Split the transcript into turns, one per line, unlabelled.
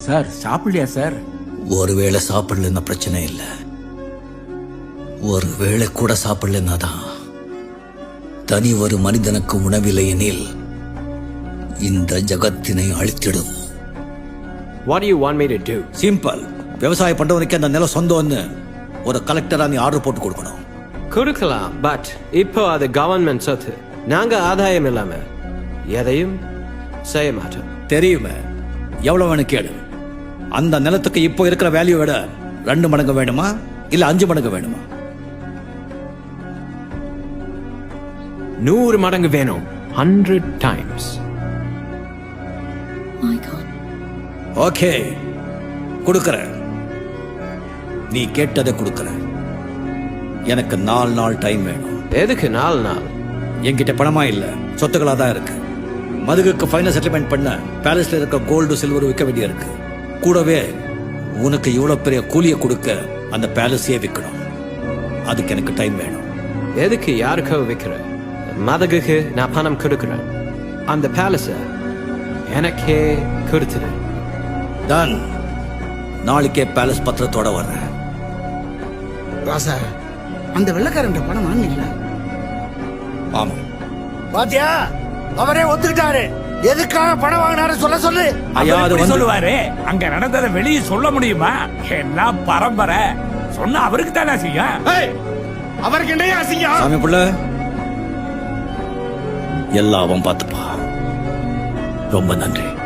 Sir சாப்பிடலையா sir?
ஒருவேளை சாப்பிடலன்னா பிரச்சனை இல்லை, ஒருவேளை கூட சாப்பிடலன்னா தான் தனி ஒரு மனிதனுக்கு உணவில்லை எனில் இந்த ஜகத்தினை அழித்திடும்.
What do you want me to do?
Simple. விவசாயம் பண்றவனுக்கு அந்த நிலம் சொந்தம்னு ஒரு கலெக்டரா நீ ஆர்டர் போட்டு கொடுக்கணும்.
கொடுக்கலாம், பட் இப்போ அது கவர்மெண்ட் சொத்து. நாங்க ஆதாயம் இல்லாம எதையும் செய்ய மாட்டோம்.
தெரியுமே, எவ்வளவு வேணும் கேடு. அந்த நிலத்துக்கு இப்போ இருக்கிற வேல்யூ விட 2 மடங்கு வேணுமா இல்ல 5 மடங்கு வேணுமா?
100 மடங்கு வேணும். 100 times.
My God.
ஓகே, கொடுக்கறேன். நீ கேட்டதை கொடுக்கறேன். எனக்கு 4 நாள் டைம் வேணும்.
எதுக்கு 4 நாள்?
என்கிட்ட பணமா இல்ல, சொத்துக்களா தான் இருக்கு. மதுகுக்கு ஃபைனல் செட்டில்மெண்ட் பண்ண பேலஸ்ல இருக்க கோல்டு சில்வர் விற்க வேண்டிய இருக்கு. கூடவே உனக்கு இவ்வளவு பெரிய கூலியை கொடுக்க அந்த பேலஸையே விற்கணும். அதுக்கு எனக்கு டைம் வேணும்.
எதுக்கு யாருக்கோ விற்கிற? மதகுக்கு நான் பணம் கொடுக்குறேன். அந்த பேலஸ எனக்கே கொடுத்துரு.
டன். நாளைக்கே பேலஸ் பத்திரத்தோட வர்றேன்.
ராசா, அந்த வெள்ளக்காரன் பணம் வாங்கல.
ஆமா
பாத்தியா, அவரே ஒத்துக்கிட்டாரு. எதுக்காக பணம் வாங்கினாரு சொல்ல சொல்லு.
ஐயா, அது
எப்படி
வந்து
சொல்லுவாரு? அங்க நடந்ததை வெளியே சொல்ல முடியுமா? எல்லாம் பரம்பரை. சொன்னா அவருக்கு தானே செய்யும்.
அவருக்கு என்ன அசிங்கம்?
சாமி புள்ள, எல்லாம் அவன் பார்த்துப்பா. ரொம்ப நன்றி.